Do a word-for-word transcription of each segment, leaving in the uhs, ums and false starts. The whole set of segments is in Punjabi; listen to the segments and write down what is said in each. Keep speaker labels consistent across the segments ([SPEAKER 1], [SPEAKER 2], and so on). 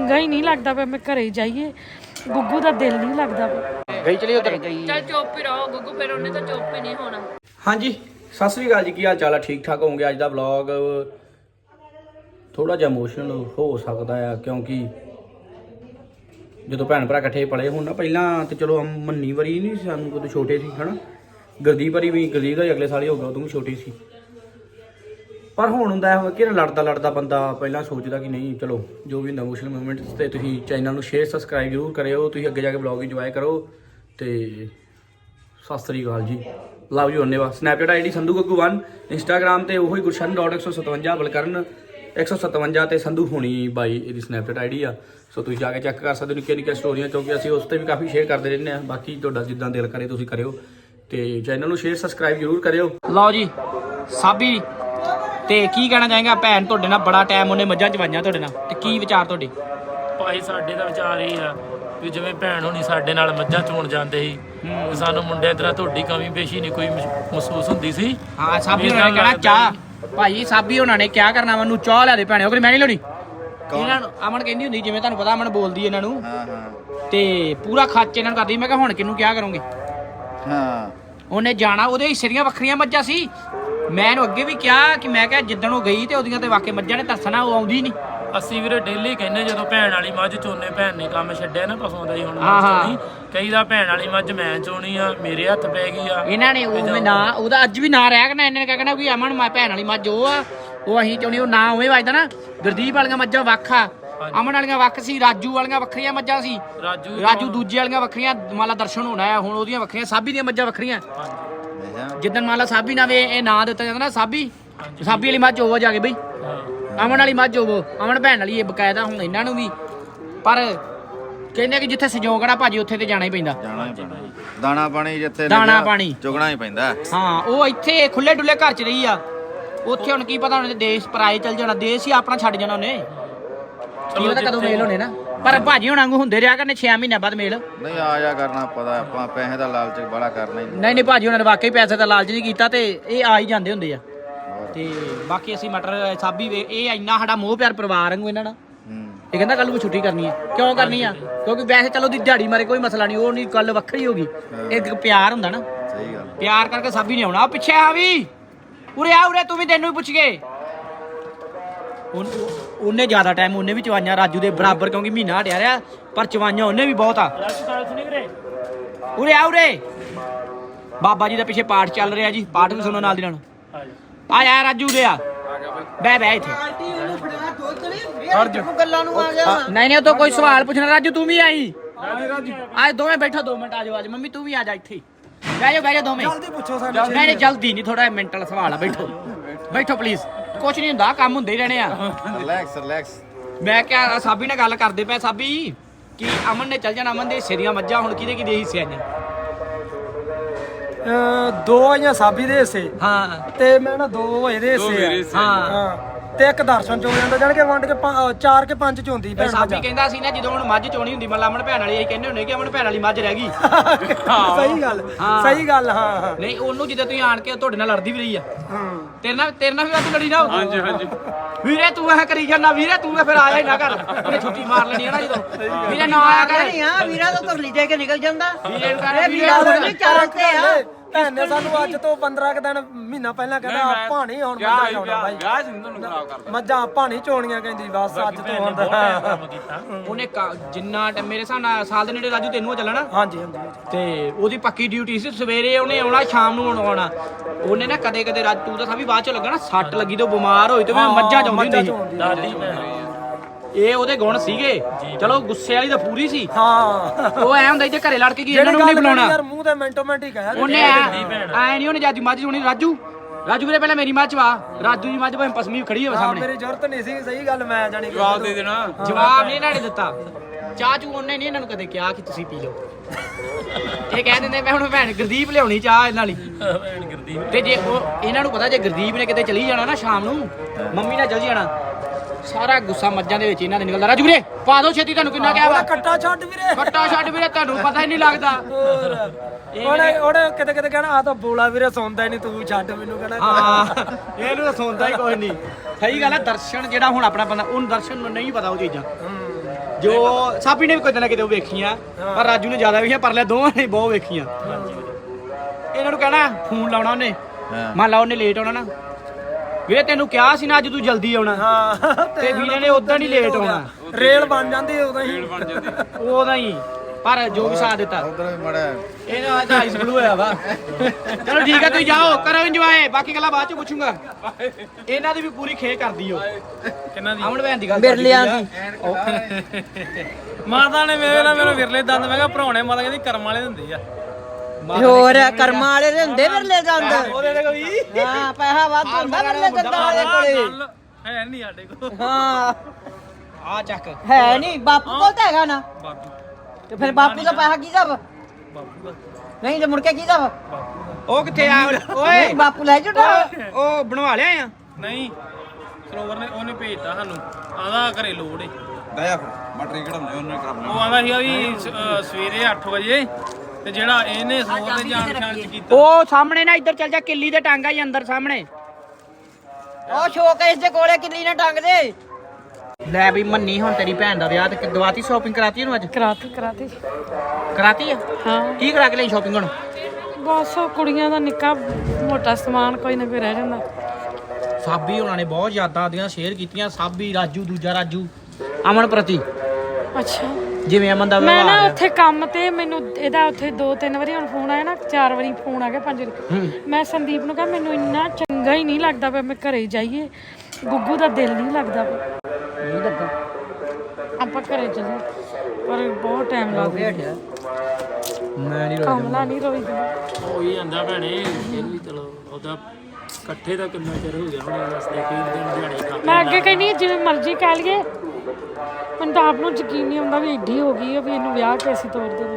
[SPEAKER 1] ਚੰਗਾ ਹੀ ਨਹੀਂ ਲੱਗਦਾ ਪਿਆ ਮੈਂ ਘਰੇ ਜਾਈਏ ਗੁੱਗੂ ਦਾ ਦਿਲ ਨਹੀਂ ਲੱਗਦਾ ਪਿਆ
[SPEAKER 2] ਗਈ ਚਲੀ ਉਧਰ ਗਈ
[SPEAKER 1] ਚੱਲ ਚੁੱਪ ਹੀ ਰਹੋ ਗੁੱਗੂ ਫਿਰ ਉਹਨੇ ਤਾਂ ਚੁੱਪ ਹੀ ਨਹੀਂ ਹੋਣਾ
[SPEAKER 2] ਹਾਂਜੀ ਸਤਿ ਸ੍ਰੀ ਅਕਾਲ ਜੀ ਕੀ ਹਾਲ ਚਾਲ ਆ ਠੀਕ ਠਾਕ ਹੋਵੋਗੇ ਅੱਜ ਦਾ ਵਲੌਗ ਥੋੜਾ ਜਿਹਾ ਇਮੋਸ਼ਨਲ ਹੋ ਸਕਦਾ ਆ ਕਿਉਂਕਿ ਜਦੋਂ ਭੈਣ ਭਰਾ ਇਕੱਠੇ ਪਲੇ ਹੁਣ ਨਾ ਪਹਿਲਾਂ ਤੇ ਚਲੋ ਮੰਨੀ ਵਾਰੀ ਨਹੀਂ ਸਾਨੂੰ ਉਦੋਂ ਛੋਟੇ ਸੀ ਹਨਾ ਗੁਰਦੀਪ ਵਾਰੀ ਵੀ ਗੁਰਦੀਪ ਦਾ ਅਗਲੇ ਸਾਲ ਹੀ ਹੋ ਗਿਆ ਉਦੋਂ ਵੀ ਛੋਟੀ ਸੀ ਪਰ ਹੁਣ ਹੁੰਦਾ ਹੈ ਕਿ ਲੜਦਾ ਲੜਦਾ ਬੰਦਾ ਪਹਿਲਾਂ ਸੋਚਦਾ ਕਿ ਨਹੀਂ ਚਲੋ ਜੋ ਵੀ ਹੁੰਦਾ ਇਮੋਸ਼ਨਲ ਮੂਵਮੈਂਟਸ ਤੇ ਤੁਸੀਂ ਚੈਨਲ ਨੂੰ ਸ਼ੇਅਰ ਸਬਸਕ੍ਰਾਈਬ ਜ਼ਰੂਰ ਕਰਿਓ ਤੁਸੀਂ ਅੱਗੇ ਜਾ ਕੇ ਵਲੌਗ ਇੰਜੋਏ ਕਰੋ ਤੇ ਸਤਿ ਸ੍ਰੀ ਅਕਾਲ ਜੀ ਲਵ ਯੂ ਧੰਨਵਾਦ Snapchat ID Sandhu Gaggu one Instagram ਤੇ ਉਹੀ ਗੁਰਸ਼ਨ ਡਾਟ ਇੱਕ ਸੌ ਸਤਵੰਜਾ ਬਲਕਰਨ ਇੱਕ ਸੌ ਸਤਵੰਜਾ ਤੇ ਸੰਧੂ ਹੋਣੀ ਬਾਈ ਇਹਦੀ ਸਨੈਪਚੈਟ ਆਈਡੀ ਆ ਸੋ ਤੁਸੀਂ ਜਾ ਕੇ ਚੈੱਕ ਕਰ ਸਕਦੇ ਹੋ ਨਿੱਕੀਆਂ ਨਿੱਕੀਆਂ ਸਟੋਰੀਆਂ ਕਿਉਂਕਿ ਅਸੀਂ ਉਸ ਤੇ ਵੀ ਕਾਫੀ ਸ਼ੇਅਰ ਕਰਦੇ ਰਹਿੰਦੇ ਹਾਂ ਬਾਕੀ ਤੁਹਾਡਾ ਜਿੱਦਾਂ ਦਿਲ ਕਰੇ ਤੁਸੀਂ ਕਰਿਓ ਤੇ ਚੈਨਲ ਨੂੰ ਸ਼ੇਅਰ ਸਬਸਕ੍ਰਾਈਬ ਜ਼ਰੂਰ ਕਰਿਓ ਲਓ ਜੀ ਸਾਬੀ ਤੇ ਕੀ ਕਹਿਣਾ ਚਾਹਾਂਗਾ ਭੈਣ ਤੁਹਾਡੇ ਨਾਲ ਬੜਾ ਟਾਈਮ ਉਹਨੇ ਮੱਝਾਂ ਚਵਾਈਆਂ ਤੁਹਾਡੇ ਨਾਲ ਤੇ ਕੀ ਵਿਚਾਰ ਤੁਹਾਡੇ
[SPEAKER 3] ਭਾਈ ਸਾਡੇ ਦਾ ਵਿਚਾਰ ਇਹ ਆ ਵੀ ਜਿਵੇਂ ਭੈਣ ਹੋਣੀ ਸਾਡੇ ਨਾਲ ਮੱਝਾਂ ਚੋਣ ਜਾਂਦੇ ਸੀ ਤੇ ਸਾਨੂੰ ਮੁੰਡਿਆਂ ਤਰ੍ਹਾਂ ਤੁਹਾਡੀ ਕਮੀ ਪੇਸ਼ੀ ਨਹੀਂ ਕੋਈ ਮਹਿਸੂਸ ਹੁੰਦੀ ਸੀ
[SPEAKER 2] ਹਾਂ ਸਾਬੀ ਉਹਨਾਂ ਨੇ ਕਹਿਣਾ ਚਾਹ ਭਾਈ ਸਾਬੀ ਉਹਨਾਂ ਨੇ ਕਿਆ ਕਰਨਾ ਮੈਨੂੰ ਚਾਹ ਲਿਆ ਦੇ ਭੈਣੇ ਉਹ ਕਹਿੰਦੀ ਮੈਂ ਨਹੀਂ ਲਾਉਣੀ ਇਹਨਾਂ ਨੂੰ ਅਮਨ ਕਹਿੰਦੀ ਹੁੰਦੀ ਜਿਵੇਂ ਤੁਹਾਨੂੰ ਪਤਾ ਅਮਨ ਬੋਲਦੀ ਇਹਨਾਂ ਨੂੰ ਹਾਂ ਹਾਂ ਤੇ ਪੂਰਾ ਖੱਚ ਇਹਨਾਂ ਨੂੰ ਕਰਦੀ ਮੈਂ ਕਿਹਾ ਹੁਣ ਕਿਹਨੂੰ ਕਿਆ ਕਰੋਗੇ ਹਾਂ ਉਹਨੇ ਜਾਣਾ ਉਹਦੇ ਹਿੱਸੇ ਦੀਆਂ ਵੱਖਰੀਆਂ ਮੱਝਾਂ ਸੀ ਮੈਂ ਇਹਨੂੰ ਅੱਗੇ ਵੀ ਕਿਹਾ ਕਿ ਮੈਂ ਕਿਹਾ ਜਿੱਦਣ ਉਹ ਗਈ ਤੇ ਉਹਦੀਆਂ ਤੇ ਵਾਕੇ ਮੱਝਾਂ ਨੇ ਤਰਸਣਾ ਉਹ ਆਉਂਦੀ ਨਹੀਂ
[SPEAKER 3] ਅਸੀਂ ਵੀਰੇ ਡੇਲੀ ਕਹਿੰਦੇ ਜਦੋਂ ਭੈਣ ਵਾਲੀ ਮੱਝ ਚੋਣੇ ਭੈਣ ਨੇ ਕੰਮ ਛੱਡਿਆ ਨਾ ਪਸੋਂ ਦਾ ਹੀ ਹੁਣ ਮੱਝ ਚੋਣੀ ਕਈ ਦਾ ਭੈਣ ਵਾਲੀ ਮੱਝ ਮੈਂ ਚੋਣੀ ਆ ਮੇਰੇ ਹੱਥ ਪੈ ਗਈ ਆ
[SPEAKER 2] ਇਹਨਾਂ ਨੇ ਉਹ ਨਾ ਉਹਦਾ ਅੱਜ ਵੀ ਨਾਂ ਰਹਿ ਗਿਆ ਇਹਨਾਂ ਨੇ ਕਹਿਣਾ ਵੀ ਅਮਨ ਮੈਂ ਭੈਣ ਵਾਲੀ ਮੱਝ ਉਹ ਆ ਉਹ ਅਸੀਂ ਚੋਣੀ ਉਹ ਨਾਂ ਉਵੇਂ ਵੱਜਦਾ ਨਾ ਗੁਰਦੀਪ ਵਾਲੀਆਂ ਮੱਝਾਂ ਵੱਖ ਆ ਅਮਨ ਵਾਲੀਆਂ ਵੱਖ ਸੀ ਰਾਜੂ ਵਾਲੀਆਂ ਵੱਖਰੀਆਂ ਮੱਝਾਂ ਸੀ
[SPEAKER 3] ਰਾਜੂ
[SPEAKER 2] ਰਾਜੂ ਦੂਜੇ ਵਾਲੀਆਂ ਵੱਖਰੀਆਂ ਮਾਲਾ ਦਰਸ਼ਨ ਹੋਣਾ ਆ ਹੁਣ ਉਹਦੀਆਂ ਵੱਖਰੀਆਂ ਸਾਬੀ ਦੀਆਂ ਮੱਝਾਂ ਵੱਖਰੀਆਂ ਜਿੱਦਣ ਮਾਲਾ ਸਾਬੀ ਨਾਲ ਇਹ ਨਾਂ ਦਿੱਤਾ ਜਾਂਦਾ ਨਾ ਸਾਬੀ ਸਾਬੀ ਵਾਲੀ ਮੱਝ ਹੋਵੋ ਜਾ ਕੇ ਬਈ ਅਮਨ ਵਾਲੀ ਮੱਝ ਹੋਵੋ ਅਮਨ ਭੈਣ ਵਾਲੀ ਇਹ ਬਕਾਇਦਾ ਹੁਣ ਇਹਨਾਂ ਨੂੰ ਵੀ ਪਰ ਕਹਿੰਦੇ ਕਿ ਜਿੱਥੇ ਸੰਜੋਗਣਾ ਭਾਜੀ ਉੱਥੇ ਤੇ ਜਾਣਾ ਹੀ ਪੈਂਦਾ
[SPEAKER 4] ਜਾਣਾ ਹੀ ਪੈਂਦਾ ਦਾਣਾ ਪਾਣੀ ਜਿੱਥੇ
[SPEAKER 2] ਦਾਣਾ ਪਾਣੀ
[SPEAKER 4] ਚੁਗਣਾ ਹੀ ਪੈਂਦਾ ਹਾਂ
[SPEAKER 2] ਉਹ ਇੱਥੇ ਖੁੱਲੇ ਡੁੱਲੇ ਘਰ ਚ ਰਹੀ ਆ ਉੱਥੇ ਹੁਣ ਕੀ ਪਤਾ ਉਹਨੇ ਦੇਸ਼ ਪਰਾਏ ਚੱਲ ਜਾਣਾ ਦੇਸ਼ ਹੀ ਆਪਣਾ ਛੱਡ ਜਾਣਾ ਉਹਨੇ ਕੀ ਪਤਾ ਕਦੋਂ ਮੇਲ ਹੋਣੇ ਨਾ ਪਰ ਭਾਜੀ ਹੁਣ ਵਾਂਗੂ ਹੁੰਦੇ ਰਿਹਾ ਕਰਨੇ ਛੇ ਮਹੀਨਿਆਂ ਬਾਅਦ ਮੇਲ
[SPEAKER 4] ਨਹੀਂ ਆ ਜਾ ਕਰਨਾ ਪਤਾ ਆਪਾਂ ਪੈਸੇ ਦਾ ਲਾਲਚ ਬੜਾ ਕਰਨਾ ਹੀ
[SPEAKER 2] ਨਹੀਂ ਨਹੀਂ ਭਾਜੀ ਉਹਨਾਂ ਨੇ ਵਾਕਈ ਪੈਸੇ ਦਾ ਲਾਲਚ ਨਹੀਂ ਕੀਤਾ ਤੇ ਇਹ ਆ ਹੀ ਜਾਂਦੇ ਹੁੰਦੇ ਆ ਤੇ ਬਾਕੀ ਅਸੀਂ ਮਟਰ ਸਾਬੀ ਇਹ ਇੰਨਾ ਸਾਡਾ ਮੋਹ ਪਿਆਰ ਪਰਿਵਾਰ ਵਾਂਗੂ ਇਹਨਾਂ ਨਾਲ ਇਹ ਕਹਿੰਦਾ ਕੱਲ ਨੂੰ ਛੁੱਟੀ ਕਰਨੀ ਹੈ ਕਿਉਂ ਕਰਨੀ ਆ ਕਿਉਂਕਿ ਵੈਸੇ ਚਲੋ ਦੀ ਦਿਹਾੜੀ ਮਾਰੇ ਕੋਈ ਮਸਲਾ ਨਹੀਂ ਉਹ ਨਹੀਂ ਗੱਲ ਵੱਖਰੀ ਹੋ ਗਈ ਇੱਕ ਪਿਆਰ ਹੁੰਦਾ ਨਾ
[SPEAKER 4] ਸਹੀ ਗੱਲ
[SPEAKER 2] ਪਿਆਰ ਕਰਕੇ ਸਾਬੀ ਨਹੀਂ ਆਉਣਾ ਪਿੱਛੇ ਆ ਵੀ ਉਰੇ ਆ ਉਰੇ ਤੂੰ ਵੀ ਤੈਨੂੰ ਵੀ ਪੁੱਛ ਗਏ ਉਹਨੇ ਜ਼ਿਆਦਾ ਟਾਈਮ ਉਹਨੇ ਵੀ ਚਵਾਈਆਂ ਰਾਜੂ ਦੇ ਬਰਾਬਰ ਕਿਉਂਕਿ ਮਹੀਨਾ ਹਟਿਆ ਰਿਹਾ ਪਰ ਚਵਾਈਆਂ ਉਹਨੇ ਵੀ ਬਹੁਤ ਆ ਉਰੇ ਆ ਉਰੇ ਬਾਬਾ ਜੀ ਦਾ ਪਿੱਛੇ ਪਾਠ ਚੱਲ ਰਿਹਾ ਜੀ ਪਾਠ ਵੀ ਸੁਣੋ ਨਾਲ ਦੀ ਨਾਲ ਆ ਯਾਰ ਰਾਜੂ ਦੇ ਆ ਬਹਿ ਬਹਿ ਇੱਥੇ ਨਹੀਂ ਨਹੀਂ ਉਹ ਤਾਂ ਕੋਈ ਸਵਾਲ ਪੁੱਛਣਾ ਰਾਜੂ ਤੂੰ ਵੀ ਆਈ ਅੱਜ ਦੋਵੇਂ ਬੈਠੋ ਦੋ ਮਿੰਟ ਆ ਜਾਓ ਅੱਜ ਮੰਮੀ ਤੂੰ ਵੀ ਆ ਜਾ ਇੱਥੇ ਬਹਿ ਜਾ ਬਹਿ ਜਾ ਦੋਵੇਂ ਜਲਦੀ ਪੁੱਛੋ ਸਾਡੇ ਨਹੀਂ ਨਹੀਂ ਜਲਦੀ ਨਹੀਂ ਥੋੜਾ ਮੈਂਟਲ ਸਵਾਲ ਆ ਬੈਠੋ ਬੈਠੋ ਪਲੀਜ਼ ਕੁਛ ਨਹੀਂ ਹੁੰਦਾ ਕੰਮ ਹੁੰਦੇ ਹੀ ਰਹਿਣੇ ਆ
[SPEAKER 4] ਰਿਲੈਕਸ ਰਿਲੈਕਸ
[SPEAKER 2] ਮੈਂ ਕਿਹਾ ਸਾਬੀ ਨਾਲ ਗੱਲ ਕਰਦੇ ਪਏ ਸਾਬੀ ਕਿ ਅਮਨ ਨੇ ਚੱਲ ਜਾਣਾ ਅਮਨ ਦੇ ਹਿੱਸੇ ਦੀਆਂ ਮੱਝਾਂ ਹੁਣ ਕਿਹਦੇ ਕਿਹਦੇ ਹਿੱਸੇ ਨੇ
[SPEAKER 5] ਦੋ ਆਈਆਂ ਸਾਬੀ ਦੇ ਹਿੱਸੇ
[SPEAKER 2] ਹਾਂ
[SPEAKER 5] ਤੇ ਮੈਂ ਨਾ ਦੋ ਇਹਦੇ ਹਿੱਸੇ ਆ ਹਾਂ ਤੇ ਇੱਕ ਦਰਸ਼ਨ ਚੋਂ ਜਾਂਦਾ ਜਾਣ ਕੇ ਵੰਡ ਕੇ ਚਾਰ ਕੇ ਪੰਜ ਚ ਹੁੰਦੀ ਭੈਣ
[SPEAKER 2] ਸਾਬੀ ਕਹਿੰਦਾ ਸੀ ਨਾ ਜਦੋਂ ਹੁਣ ਮੱਝ ਚੋਣੀ ਹੁੰਦੀ ਮਤਲਬ ਅਮਨ ਭੈਣ ਵਾਲੀ ਅਸੀਂ ਕਹਿੰਦੇ ਹੁੰਦੇ ਕਿ ਅਮਨ ਭੈਣ ਵਾਲੀ ਮੱਝ ਰਹਿ ਗਈ
[SPEAKER 5] ਸਹੀ ਗੱਲ ਸਹੀ ਗੱਲ ਹਾਂ ਹਾਂ
[SPEAKER 2] ਨਹੀਂ ਉਹਨੂੰ ਜਦੋਂ ਤੁਸੀਂ ਆਣ ਕੇ ਤੁਹਾਡੇ ਨਾਲ ਲੜਦੀ ਵੀ ਰਹੀ ਆ ਤੇਰੇ ਨਾਲ ਤੇਰੇ ਨਾਲ ਵੀ ਅੱਜ ਲੜੀ ਨਾ ਹਾਂਜੀ ਹਾਂਜੀ ਵੀਰੇ ਤੂੰ ਇਹ ਕਰੀ ਜਾਂਦਾ ਵੀਰੇ ਤੂੰ ਫਿਰ ਆਇਆ ਹੀ ਨਾ ਕਰ ਉਹਨੇ ਛੁੱਟੀ ਮਾਰ ਲੈਣੀ ਹੈ ਨਾ ਜਦੋਂ ਵੀਰੇ ਨਾ ਆਇਆ ਕਰ
[SPEAKER 6] ਨਹੀਂ ਆ ਵੀਰਾ ਤਾਂ ਧਰਲੀ ਦੇ ਕੇ ਨਿਕਲ ਜਾਂਦਾ
[SPEAKER 2] ਵੀਰੇ ਨੂੰ ਕਰ
[SPEAKER 6] ਇਹ ਵੀਰਾ ਉਹਨੇ ਚਾਹਤੇ ਆ
[SPEAKER 5] ਭੈਣ ਨੇ ਸਾਨੂੰ ਅੱਜ ਤੋਂ ਪੰਦਰਾਂ ਕੁ ਦਿਨ ਮਹੀਨਾ ਪਹਿਲਾਂ ਕਹਿੰਦਾ ਆਪਾਂ ਨਹੀਂ ਹੁਣ ਮੱਝਾਂ ਚੋਣਾ ਬਾਈ ਵਿਆਹ ਜਿੰਨ ਤੁਹਾਨੂੰ ਖਰਾਬ ਕਰਦਾ ਮੱਝਾਂ ਆਪਾਂ ਨਹੀਂ ਚੋਣੀਆਂ ਕਹਿੰਦੀ ਬਸ ਅੱਜ ਤੋਂ ਹੁਣ
[SPEAKER 2] ਉਹਨੇ ਜਿੰਨਾ ਮੇਰੇ ਹਿਸਾਬ ਨਾਲ ਸਾਲ ਦੇ ਨੇੜੇ ਰਾਜੂ ਤੈਨੂੰ ਚੱਲਣਾ
[SPEAKER 5] ਹਾਂਜੀ ਹਾਂਜੀ
[SPEAKER 2] ਤੇ ਉਹਦੀ ਪੱਕੀ ਡਿਊਟੀ ਸੀ ਸਵੇਰੇ ਉਹਨੇ ਆਉਣਾ ਸ਼ਾਮ ਨੂੰ ਆਉਣਾ ਉਹਨੇ ਨਾ ਕਦੇ ਕਦੇ ਰਾਜ ਤੂੰ ਤਾਂ ਸਭੀ ਬਾਅਦ ਚ ਲੱਗਣਾ ਸੱਟ ਲੱਗੀ ਤੇ ਬਿਮਾਰ ਹੋਈ ਤੇ ਮੱਝਾਂ ਚਾਉਂਦੀ ਹੁੰਦੀ ਸੀ
[SPEAKER 3] ਦਾਦੀ
[SPEAKER 2] ਇਹ ਉਹਦੇ ਗੁਣ ਸੀਗੇ ਚਲੋ ਗੁੱਸੇ ਵਾਲੀ ਤਾਂ ਪੂਰੀ ਸੀ
[SPEAKER 5] ਹਾਂ
[SPEAKER 2] ਉਹ ਐ ਹੁੰਦਾ ਜੇ ਘਰੇ ਲੜ ਕੇ ਕੀ ਇਹਨਾਂ ਨੂੰ ਨਹੀਂ ਬੁਲਾਉਣਾ
[SPEAKER 5] ਯਾਰ ਮੂੰਹ ਤੇ ਮਿੰਟੋ ਮਿੰਟ ਹੀ ਕਹਿਆ
[SPEAKER 2] ਉਹਨੇ ਐ ਨਹੀਂ ਉਹਨੇ ਜਾਦੀ ਮੱਝ ਚੋਣੀ ਰਾਜੂ ਰਾਜੂ ਵੀਰੇ ਪਹਿਲਾਂ ਮੇਰੀ ਮੱਝ ਵਾ ਰਾਜੂ ਦੀ ਮੱਝ ਭਾਵੇਂ ਪਸਮੀ ਖੜੀ ਹੋਵੇ ਸਾਹਮਣੇ
[SPEAKER 5] ਮੇਰੀ ਜ਼ਰੂਰਤ ਨਹੀਂ ਸੀ ਸਹੀ ਗੱਲ ਮੈਂ ਜਾਣੀ
[SPEAKER 3] ਜਵਾਬ ਦੇ ਦੇਣਾ
[SPEAKER 2] ਜਵਾਬ ਨਹੀਂ ਇਹਨਾਂ ਨੇ ਦਿੱਤਾ ਚਾਹ ਚੂ ਉਹਨੇ ਨਹੀਂ ਇਹਨਾਂ ਨੂੰ ਕਦੇ ਕਿਹਾ ਕਿ ਤੁਸੀਂ ਪੀ ਲਓ ਇਹ ਕਹਿ ਦਿੰਦੇ ਮੈਂ ਹੁਣ ਭੈਣ ਗੁਰਦੀਪ ਲਿਆਉਣੀ ਚਾਹ ਇਹਨਾਂ ਲਈ
[SPEAKER 3] ਭੈਣ ਗੁਰਦੀਪ
[SPEAKER 2] ਤੇ ਜੇ ਉਹ ਇਹਨਾਂ ਨੂੰ ਪਤਾ ਜੇ ਗੁਰਦੀਪ ਨੇ ਕਿਤੇ ਚਲੀ ਜਾਣਾ ਨਾ ਸ਼ਾਮ ਨੂੰ ਮੰਮੀ ਨਾਲ ਚਲ ਜਾਣਾ ਸਾਰਾ ਗੁੱਸਾ ਮੱਝਾਂ ਦੇ ਵਿੱਚ ਇਹਨਾਂ ਦੇ ਨਿਕਲਦਾ ਰਾਜੂ ਵੀਰੇ ਪਾ ਦੋ ਛੇਤੀ ਤੁਹਾਨੂੰ ਕਿੰਨਾ ਕਿਹਾ ਵਾ
[SPEAKER 5] ਕੱਟਾ ਛੱਡ ਵੀਰੇ
[SPEAKER 2] ਕੱਟਾ ਛੱਡ ਵੀਰੇ ਤੁਹਾਨੂੰ ਪਤਾ ਹੀ ਨਹੀਂ ਲੱਗਦਾ
[SPEAKER 5] ਉਹਨੇ ਉਹਨੇ ਕਿਤੇ ਕਿਤੇ ਕਹਿਣਾ ਆ ਤਾਂ ਬੋਲਾ ਵੀਰੇ ਸੌਂਦਾ ਨਹੀਂ ਤੂੰ ਛੱਡ ਮੈਨੂੰ ਕਹਿਣਾ
[SPEAKER 2] ਹਾਂ ਇਹਨੂੰ ਤਾਂ ਸੌਂਦਾ ਹੀ ਕੋਈ ਨਹੀਂ ਸਹੀ ਗੱਲ ਹੈ ਦਰਸ਼ਨ ਜਿਹੜਾ ਹੁਣ ਆਪਣਾ ਬੰਦਾ ਉਹਨੂੰ ਦਰਸ਼ਨ ਨੂੰ ਨਹੀਂ ਪਤਾ ਉਹ ਚੀਜ਼ਾਂ ਜੋ ਸਾਬੀ ਨੇ ਵੀ ਕਿਤੇ ਨਾ ਕਿਤੇ ਵੇਖੀਆਂ ਪਰ ਰਾਜੂ ਨੇ ਜ਼ਿਆਦਾ ਵੇਖੀਆਂ ਪਰਲੇ ਦੋਵਾਂ ਨੇ ਬਹੁਤ ਵੇਖੀਆਂ। ਇਹਨਾਂ ਨੂੰ ਕਹਿਣਾ ਫੋਨ ਲਾਉਣਾ ਉਹਨੇ, ਮੰਨ ਲਾ ਉਹਨੇ ਲੇਟ ਆਉਣਾ ਨਾ, ਵੀਰੇ ਤੈਨੂੰ ਕਿਹਾ ਸੀ ਨਾ ਅੱਜ ਤੂੰ ਜਲਦੀ ਆਉਣਾ,
[SPEAKER 5] ਹਾਂ
[SPEAKER 2] ਤੇ ਵੀਰੇ ਨੇ ਉਦਾਂ ਨਹੀਂ ਲੇਟ ਆਉਣਾ,
[SPEAKER 5] ਰੇਲ ਬਣ ਜਾਂਦੀ ਉਦੋਂ ਹੀ
[SPEAKER 2] ਉਹਦਾ ਹੀ ਪਰ ਜੋ ਵੀ ਸਾਥ ਦਿੱਤਾ
[SPEAKER 4] ਉਧਰ ਵੀ ਮੜਾ
[SPEAKER 2] ਇਹਨਾਂ ਅੱਜ ਆਈਸ ਬਲੂ ਹੋਇਆ ਵਾ। ਚਲੋ ਠੀਕ ਆ ਤੁਸੀਂ ਜਾਓ ਕਰੋ ਇੰਜੋਏ, ਬਾਕੀ ਗੱਲਾਂ ਬਾਅਦ ਚ ਪੁੱਛੂੰਗਾ। ਇਹਨਾਂ ਦੀ ਵੀ ਪੂਰੀ ਖੇ ਕਰਦੀ ਓ ਕਿੰਨਾ ਦੀ ਅਮਨ ਭੈਣ ਦੀ ਗੱਲ
[SPEAKER 6] ਬਿਰਲਿਆਂ ਦੀ
[SPEAKER 5] ਮਾਤਾ ਨੇ ਮੇਰੇ ਨਾਲ ਮੈਨੂੰ ਵਿਰਲੇ ਦੰਦ ਮੈਂ ਕਿਹਾ ਭਰਾਉਣੇ, ਮਾਤਾ ਕਹਿੰਦੀ ਕਰਮ ਵਾਲੇ ਹੁੰਦੇ ਆ।
[SPEAKER 6] ਹੋਰ ਕਰਮਾਂ ਵਾਲੇ ਦੇ ਹੁੰਦੇ ਵਿਰਲੇ ਦੰਦ।
[SPEAKER 2] ਉਹਦੇ ਦੇ ਕੋਈ
[SPEAKER 6] ਹਾਂ ਪੈਸਾ ਵੱਧ ਹੁੰਦਾ ਵਿਰਲੇ ਦੰਦਾਂ ਵਾਲੇ ਕੋਲੇ।
[SPEAKER 5] ਹੈ ਨਹੀਂ ਸਾਡੇ ਕੋਲ।
[SPEAKER 6] ਹਾਂ
[SPEAKER 2] ਆ ਚੱਕ
[SPEAKER 6] ਹੈ ਨਹੀਂ, ਬਾਪੂ ਕੋਲ ਤਾਂ ਹੈਗਾ ਨਾ। ਤੇ ਫਿਰ ਬਾਪੂ ਦਾ ਪੈਸਾ ਕਿਹਦਾ ਵਾ? ਨਹੀਂ ਤੇ ਮੁੜ ਕੇ ਕਿਹਦਾ ਵਾ?
[SPEAKER 2] ਉਹ ਕਿੱਥੇ ਆ ਓਏ?
[SPEAKER 6] ਨਹੀਂ ਬਾਪੂ ਲੈ ਜੁਟਾ।
[SPEAKER 2] ਉਹ ਬਣਵਾ ਲਿਆ ਆ
[SPEAKER 5] ਨਹੀਂ ਸਰੋਵਰ ਨੇ ਉਹਨੇ ਭੇਜਤਾ ਸਾਨੂੰ, ਆਦਾ ਘਰੇ ਲੋੜ ਏ।
[SPEAKER 4] ਦਇਆ ਫਿਰ ਮਟਰੀ ਕਢਾਉਂਦੇ ਉਹਨੇ ਕਰਾਉਣਾ।
[SPEAKER 5] ਉਹ ਆਂਦਾ ਸੀਗਾ ਵੀ ਸ- ਅਹ ਸਵੇਰੇ ਅੱਠ ਵਜੇ ਤੇ ਜਿਹੜਾ ਇਹਨੇ ਸਰੋਵਰ ਦੇ ਜਾਣ ਪਛਾਣ ਚ ਕੀਤਾ।
[SPEAKER 2] ਉਹ ਸਾਹਮਣੇ ਨਾ ਇੱਧਰ ਚੱਲ ਜਾ, ਕਿੱਲੀ ਦੇ ਟਾਂਗਾ ਹੀ ਅੰਦਰ ਸਾਹਮਣੇ।
[SPEAKER 6] ਉਹ ਸ਼ੋਕੇਸ ਦੇ ਕੋਲੇ ਕਿੱਲੀ ਨਾ ਟੰਗ ਦੇ।
[SPEAKER 2] ਲੈ ਵੀ ਮੰਨੀ ਹੁਣ ਤੇਰੀ ਭੈਣ ਦਾ ਵਿਆਹ ਤੇ ਦਵਾਤੀ ਸ਼ਾਪਿੰਗ ਕਰਾਤੀ ਉਹਨੂੰ ਅੱਜ?
[SPEAKER 1] ਕਰਾਤੀ ਕਰਾਤੀ
[SPEAKER 2] ਕਰਾਤੀ ਆ?
[SPEAKER 1] ਹਾਂ
[SPEAKER 2] ਕੀ ਕਰਾ ਕੇ ਲਈ ਸ਼ਾਪਿੰਗ ਹੁਣ?
[SPEAKER 1] ਬਸ ਉਹ ਕੁੜੀਆਂ ਦਾ ਨਿੱਕਾ ਮੋਟਾ ਸਮਾਨ ਕੋਈ ਨਾ ਕੋਈ ਰਹਿ ਜਾਂਦਾ।
[SPEAKER 2] ਸਾਬੀ ਉਹਨਾਂ ਨੇ ਬਹੁਤ ਯਾਦਾਂ ਦੀਆਂ ਸ਼ੇਅਰ ਕੀਤੀਆਂ, ਸਾਬੀ ਰਾਜੂ ਦੂਜਾ ਰਾਜੂ ਅਮਨ ਪ੍ਰਤੀ,
[SPEAKER 1] ਅੱਛਾ
[SPEAKER 2] ਜਿਵੇਂ ਅਮਨ ਦਾ
[SPEAKER 1] ਮੈਂ ਨਾ
[SPEAKER 2] ਵਿਵਹਾਰ
[SPEAKER 1] ਉੱਥੇ ਕੰਮ ਤੇ ਮੈਨੂੰ ਇਹਦਾ ਉੱਥੇ ਦੋ ਤਿੰਨ ਵਾਰੀ ਹੁਣ ਫੋਨ ਆਇਆ ਨਾ, ਚਾਰ ਵਾਰੀ ਫੋਨ ਆ ਗਿਆ, ਪੰਜ ਵਾਰੀ। ਮੈਂ ਸੰਦੀਪ ਨੂੰ ਕਿਹਾ ਮੈਨੂੰ ਇੰਨਾ ਚੰਗਾ ਹੀ ਨਹੀਂ ਲੱਗਦਾ ਪਿਆ, ਮੈਂ ਘਰੇ ਜਾਈਏ, ਗੁੱਗੂ ਦਾ ਦਿਲ ਨਹੀਂ ਲੱਗਦਾ ਪਿਆ,
[SPEAKER 6] ਨਹੀਂ ਲੱਗਾ
[SPEAKER 1] ਆਪਾਂ ਘਰੇ ਚੱਲੀਏ, ਪਰ ਬਹੁਤ ਟਾਈਮ ਲੱਗ ਗਿਆ।
[SPEAKER 2] ਮੈਂ ਨਹੀਂ
[SPEAKER 1] ਕਮਲਾ ਨਹੀਂ ਰੋਈਦਾ।
[SPEAKER 3] ਹੋ ਹੀ ਜਾਂਦਾ ਭੈਣੇ, ਫਿਰ ਵੀ ਚਲੋ ਉਹਦਾ ਇਕੱਠੇ ਦਾ ਕਿੰਨਾ ਚਿਰ ਹੋ ਗਿਆ ਹੁਣ, ਰਸਤੇ ਕਈ ਦਿਨ ਦਿਹਾੜੇ ਕੰਮ।
[SPEAKER 1] ਮੈਂ ਅੱਗੇ ਕਹਿੰਦੀ ਜਿਵੇਂ ਮਰਜ਼ੀ ਕਹਿ ਲਈਏ, ਮੈਨੂੰ ਤਾਂ ਆਪ ਨੂੰ ਯਕੀਨ ਨਹੀਂ ਆਉਂਦਾ ਵੀ ਏਡੀ ਹੋ ਗਈ ਆ ਵੀ ਇਹਨੂੰ ਵਿਆਹ ਕੇ ਅਸੀਂ ਤੋੜ ਦੇਣਾ।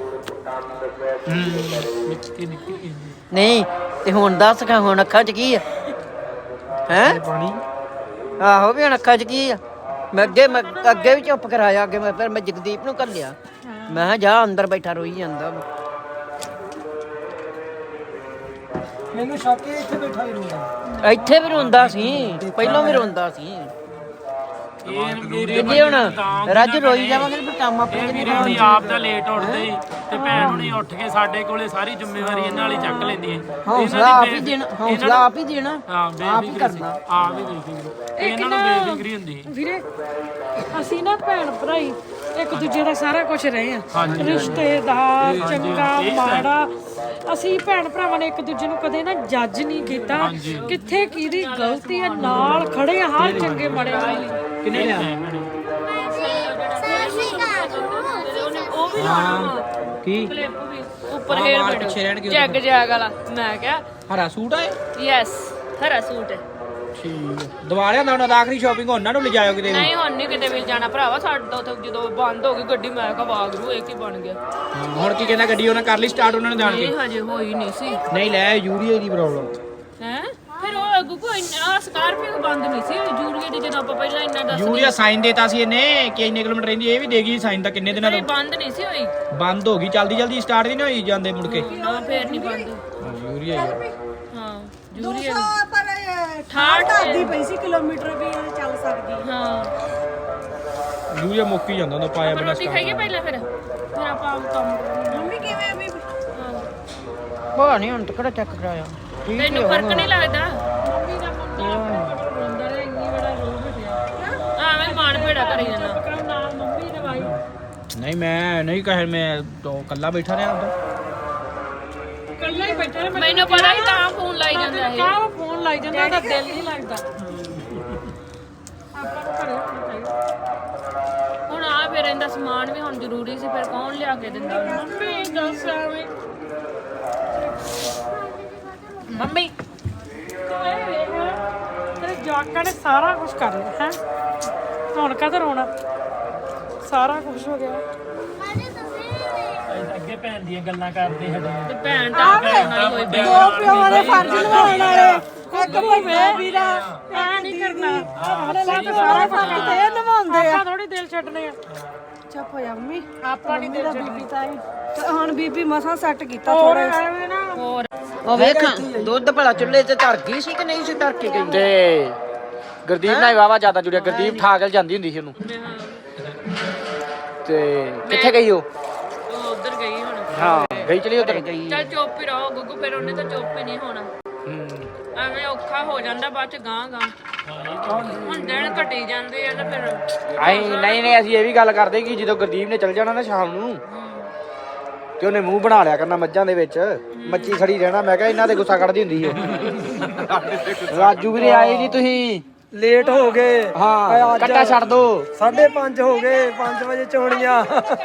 [SPEAKER 3] ਨਿੱਕੀ ਨਿੱਕੀ
[SPEAKER 6] ਨਹੀਂ ਤੇ ਹੁਣ ਦੱਸ ਕਾ ਹੁਣ ਅੱਖਾਂ 'ਚ ਕੀ ਆ? ਹੈ
[SPEAKER 2] ਪਾਣੀ
[SPEAKER 6] ਆਹੋ ਵੀ ਹੁਣ ਅੱਖਾਂ 'ਚ ਕੀ ਆ? ਮੈਂ ਅੱਗੇ ਮੈਂ ਅੱਗੇ ਵੀ ਚੁੱਪ ਕਰਾਇਆ, ਅੱਗੇ ਮੈਂ ਫਿਰ ਮੈਂ ਜਗਦੀਪ ਨੂੰ ਘੱਲਿਆ, ਮੈਂ ਕਿਹਾ ਜਾ ਅੰਦਰ ਬੈਠਾ ਰੋਈ ਜਾਂਦਾ ਵਾ।
[SPEAKER 5] ਮੈਨੂੰ ਸ਼ੱਕ ਹੈ ਇੱਥੇ ਬੈਠਾ ਹੀ ਰੋਦਾ।
[SPEAKER 6] ਇੱਥੇ ਵੀ ਰੋਂਦਾ ਸੀ, ਪਹਿਲਾਂ ਵੀ ਰੋਂਦਾ ਸੀ।
[SPEAKER 3] ਇਹ ਵੀਰੇ
[SPEAKER 6] ਜੇ ਹੁਣ ਰੱਜ ਰੋਈ ਜਾਵਾਂਗੇ ਫਿਰ ਕੰਮ ਆਪਣੇ
[SPEAKER 3] ਇਹ
[SPEAKER 6] ਕਿੰਨੇ
[SPEAKER 3] ਵੀਰੇ ਹੁਣੀ ਆਪ ਤਾਂ ਲੇਟ ਉੱਠਦੇ ਸੀ ਤੇ ਭੈਣ ਹੁਣੀ ਉੱਠ ਕੇ ਸਾਡੇ ਕੋਲੇ ਸਾਰੀ ਜ਼ਿੰਮੇਵਾਰੀ ਇਹਨਾਂ ਵਾਲੀ ਚੱਕ ਲੈਂਦੀ ਹੈ।
[SPEAKER 6] ਹੌਸਲਾ ਆਪ ਹੀ ਦੇਣਾ, ਹੌਸਲਾ ਆਪ ਹੀ ਦੇਣਾ,
[SPEAKER 3] ਹਾਂ
[SPEAKER 6] ਆਪ ਹੀ
[SPEAKER 3] ਬੇਫਿਕਰੀ ਸੀ,
[SPEAKER 6] ਕਰਨਾ।
[SPEAKER 3] ਆਪ ਹੀ ਬੇਫਿਕਰੀ, ਇਹਨਾਂ ਨੂੰ ਬੇਫਿਕਰੀ ਹੁੰਦੀ ਸੀ।
[SPEAKER 1] ਵੀਰੇ ਅਸੀਂ ਨਾ ਭੈਣ ਭਰਾਈ ਇੱਕ ਦੂਜੇ ਦਾ ਸਾਰਾ ਕੁਝ ਰਹੇ ਆ, ਰਿਸ਼ਤੇਦਾਰ ਚੰਗਾ ਮਾੜਾ, ਅਸੀਂ ਭੈਣ ਭਰਾਵਾਂ ਨੇ ਇੱਕ ਦੂਜੇ ਨੂੰ ਕਦੇ ਨਾ ਜੱਜ ਨਹੀਂ ਕੀਤਾ, ਕਿੱਥੇ ਕਿਹਦੀ ਗਲਤੀ ਹੈ, ਨਾਲ ਖੜੇ ਆ ਹਰ ਚੰਗੇ ਮਾੜੇ ਵਾਲੀ।
[SPEAKER 2] ਕਿੰਨੇ ਲਿਆ?
[SPEAKER 1] ਉਹ ਵੀ
[SPEAKER 2] ਕੀ
[SPEAKER 7] ਕਲਿੱਪ ਵੀ ਉੱਪਰ
[SPEAKER 2] ਆਹ
[SPEAKER 7] ਹੇਅਰ
[SPEAKER 2] ਵਾਲ
[SPEAKER 7] ਬੈਂਡ
[SPEAKER 2] ਪਿੱਛੇ ਰਹਿਣਗੇ
[SPEAKER 7] ਜੈਗ ਜੈਗ ਵਾਲਾ। ਮੈਂ ਕਿਹਾ
[SPEAKER 2] ਹਰਾ ਸੂਟ ਆਏ?
[SPEAKER 7] ਯੈਸ ਹਰਾ ਸੂਟ ਹੈ।
[SPEAKER 2] ਠੀਕ ਦਵਾ ਲਿਆ ਉਹਨਾਂ ਦਾ ਆਖਰੀ ਸ਼ਾਪਿੰਗ ਉਹਨਾਂ ਨੂੰ ਲਿਜਾਇਓ ਕਿਤੇ ਵੀ।
[SPEAKER 7] ਨਹੀਂ ਹੁਣ ਨਹੀਂ ਕਿਤੇ ਵੀ ਜਾਣਾ ਭਰਾਵਾ, ਸਾਡਾ ਉੱਥੇ ਜਦੋਂ ਬੰਦ ਹੋ ਗਈ ਗੱਡੀ, ਮੈਂ ਕਿਹਾ ਵਾਗਰੂ ਇਹ ਕੀ ਬਣ ਗਿਆ।
[SPEAKER 2] ਹਾਂ, ਹੁਣ ਕੀ ਕਹਿੰਦਾ ਗੱਡੀ ਉਹਨਾਂ ਕਰ ਲਈ ਸਟਾਰਟ ਉਹਨਾਂ ਨੇ ਜਾਣ ਕੇ?
[SPEAKER 7] ਇਹ ਹਜੇ ਹੋਈ ਨਹੀਂ ਸੀ।
[SPEAKER 2] ਨਹੀਂ ਲੈ ਯੂਰੀਆ ਦੀ ਪ੍ਰੋਬਲਮ।
[SPEAKER 7] ਹੈ ਫਿਰ ਉਹ ਗੁੱਗੂ ਇੰਨਾ ਸਕਾਰਪੀਓ ਬੰਦ ਨਹੀਂ ਸੀ ਜੂਰੀਏ ਦੀ, ਜਦੋਂ ਆਪਾਂ ਪਹਿਲਾਂ ਇੰਨਾ ਦੱਸ
[SPEAKER 2] ਯੂਰੀਆ ਸਾਈਨ ਦੇਤਾ ਸੀ ਇਹਨੇ ਕਿ ਇੰਨੇ ਕਿਲੋਮੀਟਰ ਰਹਿੰਦੀ, ਇਹ ਵੀ ਦੇਗੀ ਸਾਈਨ ਤਾਂ ਕਿੰਨੇ ਦਿਨਾਂ
[SPEAKER 7] ਇਹ
[SPEAKER 2] ਤੋਂ
[SPEAKER 7] ਬੰਦ ਨਹੀਂ ਸੀ ਹੋਈ।
[SPEAKER 2] ਬੰਦ ਹੋ ਗਈ, ਜਲਦੀ ਜਲਦੀ ਸਟਾਰਟ ਨਹੀਂ ਹੋਈ ਜਾਂਦੇ ਮੁੜ ਕੇ।
[SPEAKER 7] ਨਾ ਫੇਰ ਨਹੀਂ ਬੰਦ।
[SPEAKER 2] ਯੂਰੀਆ ਹੀ
[SPEAKER 7] ਹਾਂ ਜੂਰੀਏ
[SPEAKER 8] ਪਰ
[SPEAKER 7] ਠਾਠ
[SPEAKER 8] ਦੀ ਪਈ ਸੀ ਕਿਲੋਮੀਟਰ ਵੀ ਇਹ ਚੱਲ ਸਕਦੀ।
[SPEAKER 7] ਹਾਂ
[SPEAKER 2] ਯੂਰੀਆ ਮੁੱਕ ਹੀ ਜਾਂਦਾ ਹੁੰਦਾ ਪਾਇਆ
[SPEAKER 7] ਆਪਾਂ
[SPEAKER 2] ਬਿਨਾਂ
[SPEAKER 7] ਰੋਟੀ ਖਾਈਏ ਪਹਿਲਾਂ, ਫਿਰ ਫਿਰ ਆਪਾਂ ਆਪ ਕੰਮ ਕਰਾਂਗੇ।
[SPEAKER 8] ਮੰਮੀ ਕਿਵੇਂ ਆ ਵੀ?
[SPEAKER 6] ਬਾਹਰ ਨਹੀਂ ਹੁਣ ਤਾਂ ਕਿਹੜਾ ਚੈੱਕ ਕਰਾਇਆ। ਠੀਕ ਹੀ
[SPEAKER 7] ਤੈਨੂੰ ਫਰਕ
[SPEAKER 6] ਹੋਊਗਾ।
[SPEAKER 7] ਨਹੀਂ ਲੱਗਦਾ?
[SPEAKER 1] ਮੰਮੀ ਦਾ ਮੁੰਡਾ ਰੋਂਦਾ ਰਿਹਾ, ਇੰਨੀ ਬੜਾ ਰੋ ਪਿਆ।
[SPEAKER 7] ਆਵੇਂ ਮਾਣ ਭੇੜਾ ਕਰੀ ਜਾਂਦਾ।
[SPEAKER 1] ਪਕੜ ਨਾਲ ਮੰਮੀ ਦਵਾਈ
[SPEAKER 2] ਨਹੀਂ ਮੈਂ ਨਹੀਂ ਕਹੇ, ਮੈਂ ਤਾਂ ਕੱਲਾ ਬੈਠਾ ਰਿਹਾ ਉਦੋਂ।
[SPEAKER 1] ਕੱਲਾ ਹੀ ਬੈਠਾ ਰਿਹਾ।
[SPEAKER 7] ਮੈਨੂੰ ਪਤਾ ਹੀ ਤਾਂ ਫੋਨ ਲਾਈ ਜਾਂਦਾ ਇਹ।
[SPEAKER 1] ਕਾਹ ਫੋਨ ਲਾਈ ਜਾਂਦਾ, ਉਹਦਾ ਦਿਲ ਨਹੀਂ ਲੱਗਦਾ। ਆਪਾਂ ਨੂੰ ਘਰੇ ਹੋਣਾ ਚਾਹੀਦਾ।
[SPEAKER 7] ਹੁਣ ਆ ਫਿਰ ਇਹਦਾ ਸਮਾਨ ਵੀ ਹੁਣ ਜ਼ਰੂਰੀ ਸੀ, ਫਿਰ ਕੌਣ ਲਿਆ ਕੇ ਦਿੰਦਾ ਉਹਨੂੰ?
[SPEAKER 1] ਮੰਮੀ ਦੱਸ ਐਵੇਂ ਮੰਮੀ ਤੂੰ ਇਹ ਵੇਖ, ਤੇਰੇ ਜਵਾਕਾਂ ਨੇ ਸਾਰਾ ਕੁਝ ਕਰ ਲਿਆ ਹੈ, ਹੁਣ ਕਦੋਂ ਰੋਣਾ? ਸਾਰਾ ਕੁਝ ਹੋ ਗਿਆ।
[SPEAKER 3] ਅੱਗੇ ਭੈਣ ਦੀਆਂ ਗੱਲਾਂ ਕਰਦੇ ਸਾਡੇ
[SPEAKER 7] ਤੇ ਭੈਣ ਤਾਂ ਭੈਣ ਨਾਲ ਹੋਈ ਪਈ।
[SPEAKER 8] ਦੋ ਪਿਓ ਦੇ ਫਰਜ਼ ਨਿਭਾਉਣ ਵਾਲੇ ਇੱਕ ਭਈਆ ਵੀਰਾ
[SPEAKER 1] ਐ ਨਹੀਂ ਕਰਨਾ,
[SPEAKER 8] ਸਾਰਾ ਕੁਝ ਤੇ ਇਹ ਨਿਭਾਉਂਦੇ ਆ।
[SPEAKER 1] ਆਪਾਂ ਥੋੜੀ ਦਿਲ ਛੱਡਨੇ ਆ।
[SPEAKER 8] ਚੁੱਪ ਹੋ ਜਾ ਮੰਮੀ,
[SPEAKER 1] ਆਪਾਂ ਨਹੀਂ ਦਿਲ ਛੱਡਨੇ।
[SPEAKER 8] ਤੇ ਹੁਣ ਬੀਬੀ ਮਸਾਂ ਸੈੱਟ ਕੀਤਾ ਥੋੜਾ।
[SPEAKER 1] ਐਵੇਂ ਨਾ
[SPEAKER 7] ਹੋਰ
[SPEAKER 6] ਉਹ ਵੇਖਾਂ ਦੁੱਧ ਭਲਾ ਚੁੱਲ੍ਹੇ ਤੇ ਧਰ ਗਈ ਸੀ ਕਿ ਨਹੀਂ ਸੀ ਧਰ ਕੇ ਗਈ?
[SPEAKER 2] ਤੇ ਗੁਰਦੀਪ ਨਾਲ ਵਾਵਾ ਜ਼ਿਆਦਾ ਜੁੜਿਆ, ਗੁਰਦੀਪ ਠਾਕਲ ਜਾਂਦੀ ਹੁੰਦੀ ਸੀ ਉਹਨੂੰ। ਤੇ ਕਿੱਥੇ ਗਈ ਉਹ
[SPEAKER 7] ਉਹ ਉਧਰ ਗਈ ਹੁਣ
[SPEAKER 2] ਹਾਂ ਗਈ ਚਲੀ ਉਧਰ
[SPEAKER 7] ਚੱਲ ਚੁੱਪ ਹੀ ਰਹੋ ਗੁੱਗੂ, ਫਿਰ ਉਹਨੇ ਤਾਂ ਚੁੱਪ ਹੀ ਨਹੀਂ ਹੋਣਾ। ਐਵੇਂ ਔਖਾ ਹੋ ਜਾਂਦਾ ਬਾਅਦ ਚ ਗਾਂ ਗਾਂ ਹੁਣ ਦਿਨ ਘਟੀ ਜਾਂਦੇ ਆ ਨਾ ਫਿਰ।
[SPEAKER 2] ਆਈ ਨਹੀਂ ਨਹੀਂ ਅਸੀਂ ਇਹ ਵੀ ਗੱਲ ਕਰਦੇ ਕਿ ਜਦੋਂ ਗੁਰਦੀਪ ਨੇ ਚਲ ਜਾਣਾ ਨਾ ਸ਼ਾਮ ਨੂੰ ਤੇ ਉਹਨੇ ਮੂੰਹ ਬਣਾ ਲਿਆ ਕਰਨਾ ਮੱਝਾਂ ਦੇ ਵਿੱਚ, ਮੱਛੀ ਖੜੀ ਰਹਿਣਾ। ਮੈਂ ਕਿਹਾ ਇਹਨਾਂ ਦੇ ਗੁੱਸਾ ਕੱਢਦੀ ਹੁੰਦੀ ਉਹ। ਰਾਜੂ ਵੀਰੇ ਆਏ ਨਹੀਂ ਤੁਸੀਂ,
[SPEAKER 5] ਲੇਟ ਹੋ ਗਏ।
[SPEAKER 2] ਹਾਂ ਕੱਟਾ ਛੱਡ ਦੋ।
[SPEAKER 5] ਸਾਢੇ ਪੰਜ ਹੋ ਗਏ, ਪੰਜ ਵਜੇ ਚੋਣੀਆਂ।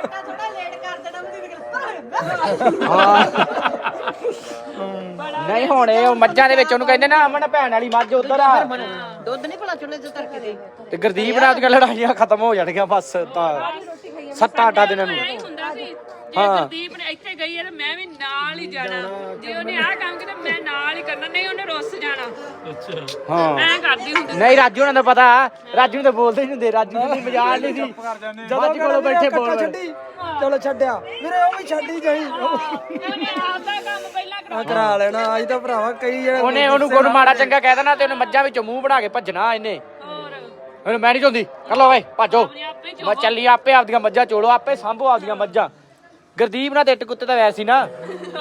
[SPEAKER 2] ਨਹੀਂ ਹੁਣ ਇਹ ਮੱਝਾਂ ਦੇ ਵਿੱਚ ਉਹਨੂੰ ਕਹਿੰਦੇ ਨਾ ਅਮਨ ਭੈਣ ਵਾਲੀ ਮੱਝ ਉਧਰ ਆ।
[SPEAKER 6] ਦੁੱਧ ਨਹੀਂ ਭਲਾ ਚੁੱਲ੍ਹੇ ਤੇ ਧਰ ਕੇ ਦੇ
[SPEAKER 2] ਤੇ ਗੁਰਦੀਪ ਨਾਲ ਦੀਆਂ ਲੜਾਈਆਂ ਖਤਮ ਹੋ ਜਾਣਗੀਆਂ ਬਸ ਤਾਂ ਸੱਤਾਂ ਅੱਠਾਂ ਦਿਨਾਂ ਨੂੰ।
[SPEAKER 7] ਐਂ ਹੁੰਦਾ ਸੀ ਜੇ ਗੁਰਦੀਪ ਨੇ ਇੱਥੇ ਗਈ ਹੈ ਤਾਂ ਮੈਂ ਵੀ ਨਾਲ ਹੀ ਜਾਣਾ, ਜੇ ਉਹਨੇ ਆਹ ਕੰਮ ਕੀਤਾ ਮੈਂ ਨਾਲ ਹੀ ਕਰਨਾ, ਨਹੀਂ ਉਹਨੇ ਰੁੱਸ ਜਾਣਾ।
[SPEAKER 3] ਅੱਛਾ
[SPEAKER 2] ਹਾਂ
[SPEAKER 7] ਐਂ ਕਰਦੀ ਹੁੰਦੀ
[SPEAKER 2] ਨਹੀਂ ਰਾਜੂ ਉਹਨਾਂ ਦਾ ਪਤਾ, ਰਾਜੂ ਨੂੰ ਤਾਂ ਬੋਲਦੇ ਨਹੀਂ ਹੁੰਦੇ, ਰਾਜੂ ਨੂੰ ਮਜ਼ਾਕ ਨਹੀਂ ਸੀ ਜਦੋਂ ਕੋਲੋਂ ਬੈਠੇ ਬੋਲ
[SPEAKER 5] ਛੱਡੀ ਚਲੋ ਛੱਡਿਆ ਵੀਰੇ, ਉਹ ਵੀ ਛੱਡੀ ਜਾਈ।
[SPEAKER 7] ਉਹਨੇ ਆਪਦਾ ਕੰਮ ਪਹਿਲਾਂ ਕਰਾ
[SPEAKER 5] ਆ ਕਰਾ ਲੈਣਾ ਅੱਜ ਤਾਂ ਭਰਾਵਾ ਕਈ ਜਣੇ
[SPEAKER 2] ਉਹਨੇ ਉਹਨੂੰ ਕੋਈ ਮਾੜਾ ਚੰਗਾ ਕਹਿ ਦੇਣਾ ਤੇ ਉਹਨੇ ਮੱਝਾਂ ਵਿੱਚੋਂ ਮੂੰਹ ਬਣਾ ਕੇ ਭੱਜਣਾ ਇਹਨੇ।
[SPEAKER 7] ਹੋਰ
[SPEAKER 2] ਉਹਨੂੰ ਮੈਂ ਨਹੀਂ ਚਾਹੁੰਦੀ, ਕਰ ਲਓ ਓਏ ਭਾਜੋ।
[SPEAKER 7] ਆਪਣੇ ਆਪੇ ਚ
[SPEAKER 2] ਮੈਂ ਚੱਲੀ ਆਪੇ ਆਪਦੀਆਂ ਮੱਝਾਂ ਚੋਲੋ, ਆਪੇ ਸਾਂਭੋ ਆਪਦੀਆਂ ਮੱਝਾਂ। ਗੁਰਦੀਪ ਨਾਲ ਤੇ ਇੱਟ ਕੁੱਤੇ ਤਾਂ ਵੈਸੇ ਸੀ ਨਾ,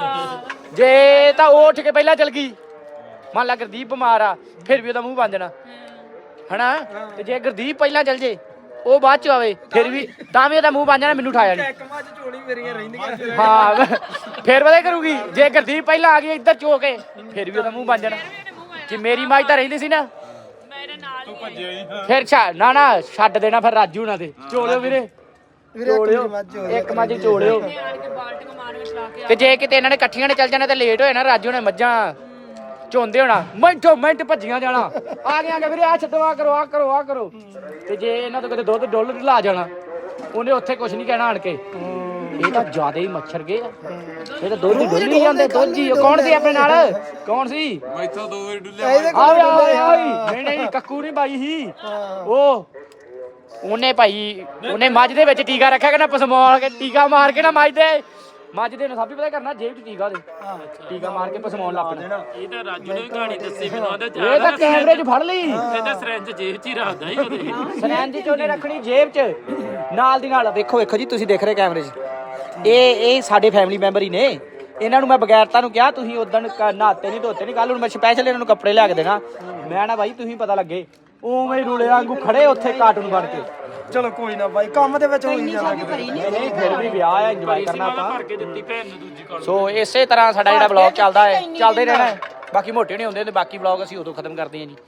[SPEAKER 2] ਜੇ ਤਾਂ ਉਹ ਉੱਠ ਕੇ ਪਹਿਲਾਂ ਚਲ ਗਈ, ਮੰਨ ਲਾ ਗੁਰਦੀਪ ਬਿਮਾਰ ਆ ਫਿਰ ਵੀ ਉਹਦਾ ਮੂੰਹ ਬਣ ਜਾਣਾ ਹਨਾ, ਤੇ ਜੇ ਗੁਰਦੀਪ ਪਹਿਲਾਂ ਚਲ ਜੇ ਉਹ ਬਾਅਦ ਚ ਆਵੇ ਫਿਰ ਵੀ ਤਾਂ ਵੀ ਉਹਦਾ ਮੂੰਹ ਬਣ ਜਾਣਾ, ਮੈਨੂੰ ਉਠਾਇਆ ਨਹੀਂ।
[SPEAKER 5] ਇੱਕ ਮੱਝ ਚੋਣੀ ਮੇਰੀਆਂ ਰਹਿੰਦੀਆਂ।
[SPEAKER 2] ਹਾਂ ਫਿਰ ਪਤਾ ਕਰੂਗੀ, ਜੇ ਗੁਰਦੀਪ ਪਹਿਲਾਂ ਆ ਗਈ ਇੱਧਰ ਚੋ ਕੇ ਫਿਰ ਵੀ ਉਹਦਾ ਮੂੰਹ ਬਣ ਜਾਣਾ। ਕਿ ਮੇਰੀ ਮੱਝ ਤਾਂ ਰਹਿੰਦੀ ਸੀ ਨਾ
[SPEAKER 7] ਮੇਰੇ ਨਾਲ ਹੀ
[SPEAKER 2] ਫਿਰ ਛੱਡ ਨਾ ਨਾ ਛੱਡ ਦੇਣਾ ਫਿਰ ਰਾਜੂ ਨਾਲ ਤੇ ਚੋਲਿਓ ਵੀਰੇ,
[SPEAKER 5] ਵੀਰੇ
[SPEAKER 2] ਚੋਲਿਓ
[SPEAKER 5] ਮੱਝ
[SPEAKER 2] ਇੱਕ ਮੱਝ ਚੋਲਿਓ।
[SPEAKER 7] ਆਣ ਕੇ ਬਾਲਟੀਆਂ ਮਾਰ ਕੇ ਚਲਾ ਕੇ
[SPEAKER 2] ਤੇ ਜੇ ਕਿਤੇ ਇਹਨਾਂ ਨੇ ਇਕੱਠੀਆਂ ਨੇ ਚੱਲ ਜਾਣਾ ਤੇ ਲੇਟ ਹੋਏ ਨਾ, ਰਾਜੂ ਨੇ ਮੱਝਾਂ ਝੋਂਦੇ ਹੋਣਾ, ਮਿੰਟੋ ਮਿੰਟ ਭੱਜੀਆਂ ਜਾਣਾ, ਆ ਗਏ ਆ ਗਏ ਵੀਰੇ ਆ ਛੱਡੋ ਆ ਕਰੋ ਆ ਕਰੋ ਆ ਕਰੋ। ਤੇ ਜੇ ਇਹਨਾਂ ਤੋਂ ਕਿਤੇ ਦੁੱਧ ਡੁੱਲ ਲਾ ਜਾਣਾ ਉਹਨੇ ਉੱਥੇ ਕੁਝ ਨਹੀਂ ਕਹਿਣਾ ਆਣ ਕੇ। ਇਹ ਤਾਂ ਜ਼ਿਆਦਾ ਹੀ ਮੱਛਰ ਗਏ ਆ, ਇਹ ਤਾਂ ਦੁੱਧ ਹੀ ਡੁੱਲੀ ਜਾਂਦੇ ਦੁੱਧ ਹੀ। ਕੌਣ ਸੀ ਆਪਣੇ ਨਾਲ, ਕੌਣ ਸੀ?
[SPEAKER 4] ਮੈਥੋਂ ਦੋ ਵਾਰੀ ਡੁੱਲਿਆ
[SPEAKER 2] ਆਵੇ ਆਵੇ ਆਵੇ ਨਹੀਂ ਨਹੀਂ ਕੱਕੂ ਨਹੀਂ ਪਾਈ ਸੀ ਉਹ, ਉਹਨੇ ਭਾਈ ਉਹਨੇ ਮੱਝ ਦੇ ਵਿੱਚ ਟੀਕਾ ਰੱਖਿਆ ਕਿ ਨਾ ਪਸਮੌਲ ਕੇ ਟੀਕਾ ਮਾਰ ਕੇ ਨਾ ਮੱਝ ਦੇ ਮੱਝ ਦੇ ਨੂੰ ਸਭ ਪਤਾ ਕਰਨਾ ਜੇਬ ਚ ਟੀਕਾ ਦੇ ਟੀਕਾ ਮਾਰ ਕੇ ਪਸਮੌਲ ਲਾ ਪੈਣਾ।
[SPEAKER 3] ਇਹ ਤਾਂ ਰਾਜੂ ਨੇ ਵੀ ਕਹਾਣੀ ਦੱਸੀ ਮੈਨੂੰ, ਆਂਦਾ
[SPEAKER 2] ਇਹ ਤਾਂ ਕੈਮਰੇ 'ਚ ਫੜ ਲਈ,
[SPEAKER 3] ਇਹਦਾ ਸਰੰਜ ਜੇਬ 'ਚ ਹੀ ਰੱਖਦਾ ਹੀ ਉਹਦੇ।
[SPEAKER 2] ਸਰੰਜ 'ਚ ਉਹਨੇ ਰੱਖਣੀ ਜੇਬ 'ਚ ਨਾਲ ਦੀ ਨਾਲ। ਵੇਖੋ ਵੇਖੋ ਜੀ ਤੁਸੀਂ ਦੇਖ ਰਹੇ ਕੈਮਰੇ 'ਚ, ਇਹ ਇਹ ਸਾਡੇ ਫੈਮਿਲੀ ਮੈਂਬਰ ਹੀ ਨੇ। ਇਹਨਾਂ ਨੂੰ ਮੈਂ ਬਗੈਰ ਤੁਹਾਨੂੰ ਕਿਹਾ ਤੁਸੀਂ ਉਦੋਂ ਨਹਾਤੇ ਨਹੀਂ ਧੋਤੇ ਨਹੀਂ, ਕੱਲ ਨੂੰ ਮੈਂ ਸਪੈਸ਼ਲ ਇਹਨਾਂ ਨੂੰ ਕੱਪੜੇ ਲਿਆ ਕੇ ਦੇਣਾ। ਮੈਂ ਨਾ ਬਾਈ ਤੁਸੀਂ ਪਤਾ ਲੱਗੇ ਉਵੇਂ ਹੀ ਰੁਲੇ ਵਾਂਗੂ ਖੜੇ ਉੱਥੇ ਕਾਰਟੂਨ ਬਣ ਕੇ।
[SPEAKER 5] ਚਲੋ ਕੋਈ ਨਾ ਬਾਈ, ਕੰਮ ਦੇ ਵਿੱਚ ਹੋਈ ਜਾਂਦਾ ਕਿਤੇ।
[SPEAKER 2] ਨਹੀਂ ਨਹੀਂ ਫਿਰ ਵੀ ਵਿਆਹ ਹੈ, ਇੰਜੋਏ ਕਰਨਾ ਆਪਾਂ।
[SPEAKER 3] ਭਰ ਕੇ ਦਿੱਤੀ ਭੈਣ ਨੂੰ ਦੂਜੀ ਕਾਲ।
[SPEAKER 2] ਸੋ ਇਸੇ ਤਰ੍ਹਾਂ ਸਾਡਾ ਜਿਹੜਾ ਵਲੌਗ ਚੱਲਦਾ ਹੈ ਚੱਲਦੇ ਰਹਿਣਾ ਹੈ। ਬਾਕੀ ਮੋਟੇ ਨਹੀਂ ਹੁੰਦੇ ਤੇ ਬਾਕੀ ਵਲੌਗ ਅਸੀਂ ਉਦੋਂ ਖਤਮ ਕਰਦੇ ਹਾਂ ਜੀ।